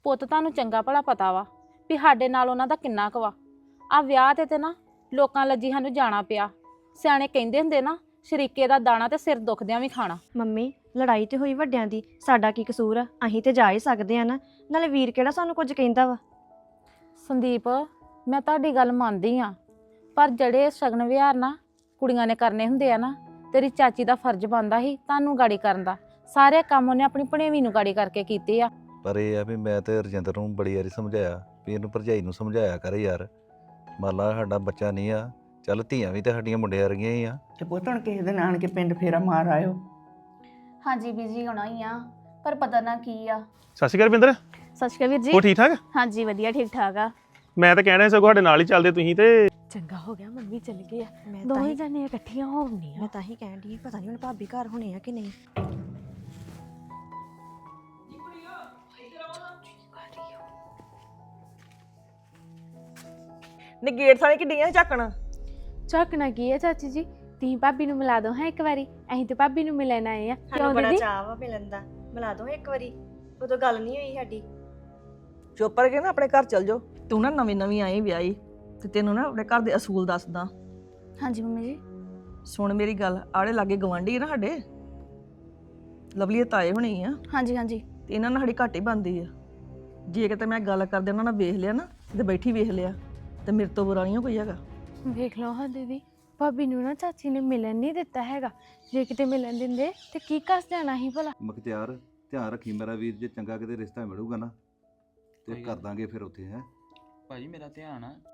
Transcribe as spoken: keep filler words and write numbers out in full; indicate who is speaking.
Speaker 1: ਪੁੱਤ ਤੁਹਾਨੂੰ ਚੰਗਾ ਭਲਾ ਪਤਾ ਵਾ ਵੀ ਸਾਡੇ ਨਾਲ ਉਹਨਾਂ ਦਾ ਕਿੰਨਾ ਕੁ ਵਾ। ਆ ਵਿਆਹ ਤੇ ਤੇ ਨਾ ਲੋਕਾਂ ਲੱਜੀ ਸਾਨੂੰ ਜਾਣਾ ਪਿਆ। ਸਿਆਣੇ ਕਹਿੰਦੇ ਹੁੰਦੇ ਨਾ, ਸ਼ਰੀਕੇ ਦਾ ਦਾਣਾ ਤੇ ਸਿਰ ਦੁਖਦਿਆਂ ਵੀ ਖਾਣਾ।
Speaker 2: ਮੰਮੀ ਲੜਾਈ ਤੇ ਹੋਈ ਵੱਡਿਆਂ ਦੀ, ਸਾਡਾ ਕੀ ਕਸੂਰ ਆ? ਅਸੀਂ ਤੇ ਜਾ ਹੀ ਸਕਦੇ ਆ ਨਾ, ਨਾਲੇ ਵੀਰ ਕਿਹੜਾ ਸਾਨੂੰ ਕੁਝ ਕਹਿੰਦਾ ਵਾ।
Speaker 1: ਸੰਦੀਪ, ਮੈਂ ਤੁਹਾਡੀ ਗੱਲ ਮੰਨਦੀ ਆ, ਪਰ ਜਿਹੜੇ ਸ਼ਗਨ ਵਿਹਾਰ ਨਾ ਕੁੜੀਆਂ ਨੇ ਕਰਨੇ ਹੁੰਦੇ ਆ ਨਾ, ਤੇਰੀ ਚਾਚੀ ਦਾ ਫਰਜ਼ ਬਣਦਾ ਸੀ ਤੁਹਾਨੂੰ ਗਾੜੀ ਕਰਨ ਦਾ। ਸਾਰੇ ਕੰਮ ਉਹਨੇ ਆਪਣੀ ਭਣੇਵੀਂ ਨੂੰ ਗਾੜੀ ਕਰਕੇ ਕੀਤੇ ਆ।
Speaker 3: ਪਰ ਇਹ ਆ ਵੀ ਮੈਂ ਤੇ ਰਜਿੰਦਰ ਨੂੰ ਬੜੀ ਵਾਰੀ ਸਮਝਾਇਆ ਵੀ ਇਹਨੂੰ ਭਰਜਾਈ ਨੂੰ ਸਮਝਾਇਆ ਕਰ ਯਾਰ, ਮੰਨ ਲਾ ਸਾਡਾ ਬੱਚਾ ਨਹੀਂ ਆ, ਚੱਲ ਧੀਆਂ ਵੀ ਤੇ ਸਾਡੀਆਂ ਮੁੰਡਿਆਂ ਵਰਗੀਆਂ ਹੀ ਆ।
Speaker 4: ਤੇ ਪੁੱਤ ਹੁਣ ਕਿਸੇ ਦਿਨ ਆਣ ਕੇ ਪਿੰਡ ਫੇਰਾ ਮਾਰ ਆਇਓ।
Speaker 5: ਹਾਂਜੀ ਬੀਜੀ ਹੋਣਾ ਹੀ ਆ, ਪਰ ਪਤਾ ਨਾ ਕੀ ਆ।
Speaker 6: ਸਤਿ ਸ਼੍ਰੀ ਅਕਾਲ ਰਵਿੰਦਰ।
Speaker 5: ਸਤਿ ਸ਼੍ਰੀ ਅਕਾਲ ਵੀਰ ਜੀ।
Speaker 6: ਉਹ ਠੀਕ ਠਾਕ?
Speaker 5: ਹਾਂਜੀ ਵਧੀਆ ਠੀਕ ਠਾਕ ਆ।
Speaker 6: ਮੈਂ ਤਾਂ ਕਹਿਣਾ ਸਗੋਂ ਸਾਡੇ ਨਾਲ ਹੀ ਚੱਲਦੇ ਤੁਸੀਂ ਤੇ।
Speaker 1: ਚੰਗਾ ਹੋ ਗਿਆ ਮੰਮੀ ਚਲ ਗਏ ਆ,
Speaker 2: ਮੈਂ ਤਾਂ
Speaker 1: ਦੋਵੇਂ
Speaker 2: ਹੀ
Speaker 1: ਜਣੇ ਇਕੱਠੀਆਂ ਹੋਣੀਆਂ।
Speaker 2: ਮੈਂ ਤਾਂ ਹੀ ਕਹਿਣ ਦੀ ਪਤਾ ਨਹੀਂ ਹੁਣ ਭਾਬੀ ਘਰ ਹੋਣੇ ਆ ਕਿ ਨਹੀਂ।
Speaker 4: ਨੀ ਗੇਟ ਸਾਲੇ ਕਿੱਡੀਆਂ ਝਾਕਣਾ।
Speaker 7: ਝਾਕਣਾ ਕੀ ਹੈ ਚਾਚੀ ਜੀ? ਤੀ ਭਾਬੀ ਨੂੰ ਮਿਲਾ ਦੋ ਹਾਂ ਇੱਕ ਵਾਰੀ, ਅਸੀਂ ਤੇ ਭਾਬੀ ਨੂੰ ਮਿਲਣ ਆਏ ਆ।
Speaker 2: ਸਾਨੂੰ ਬੜਾ ਚਾਅ ਵਾ ਮਿਲਣ ਦਾ, ਮਿਲਾ ਦੋ ਇੱਕ ਵਾਰੀ। ਉਦੋਂ ਗੱਲ ਨਹੀਂ ਹੋਈ ਸਾਡੀ।
Speaker 4: ਚੁੱਪ ਕਰਕੇ ਨਾ ਆਪਣੇ ਘਰ ਚਲ ਜਾਓ। ਤੂੰ ਨਾ ਨਵੀਂ ਨਵੀਂ ਆਈ ਵਿਆਹੀ, ਤੇ ਤੈਨੂੰ ਨਾ ਆਪਣੇ ਘਰ ਦੇ ਅਸੂਲ ਦੱਸਦਾ।
Speaker 5: ਹਾਂਜੀ ਮੰਮੀ ਜੀ।
Speaker 4: ਸੁਣ ਮੇਰੀ ਗੱਲ, ਆੜੇ ਲਾਗੇ ਗਵਾਂਢੀ ਨਾ ਸਾਡੇ, ਲਵਲੀ ਦੇ ਤਾਏ ਹੋਣੀ ਆ,
Speaker 5: ਹਾਂਜੀ ਹਾਂਜੀ।
Speaker 4: ਤੇ ਇਹਨਾਂ ਨਾਲ ਸਾਡੀ ਘੱਟ ਹੀ ਬਣਦੀ ਆ। ਜੇ ਕਿਤੇ ਮੈਂ ਗੱਲ ਕਰਦੇ ਉਹਨਾਂ ਨਾਲ ਵੇਖ ਲਿਆ ਨਾ, ਤੇ ਬੈਠੀ ਵੇਖ ਲਿਆ, ਤੇ ਮੇਰੇ ਤੋਂ ਬੁਰਾ ਨਹੀਂ ਕੋਈ ਹੈਗਾ।
Speaker 7: ਵੇਖ ਲਓ ਹਾਂ ਦੀਦੀ, ਭਾਬੀ ਨੂੰ ਨਾ ਚਾਚੀ ਨੇ ਮਿਲਣ ਨਹੀਂ ਦਿੱਤਾ ਹੈਗਾ। ਜੇ ਕਿਤੇ ਮਿਲਣ ਦਿੰਦੇ ਤੇ ਕੀ ਕੱਸ ਜਾਣਾ ਸੀ ਭਲਾ।
Speaker 3: ਮਖਤਿਆਰ ਧਿਆਨ ਰੱਖੀ ਮੇਰਾ ਵੀਰ, ਜੇ ਚੰਗਾ ਕਿਤੇ ਰਿਸ਼ਤਾ ਮਿਲੂਗਾ ਨਾ ਤੇ
Speaker 8: ਕੋਈ
Speaker 3: ਕਰ ਦਾਂਗੇ ਫਿਰ ਉੱਥੇ ਹੈ।
Speaker 8: ਭਾਜੀ ਮੇਰਾ ਧਿਆਨ ਆ,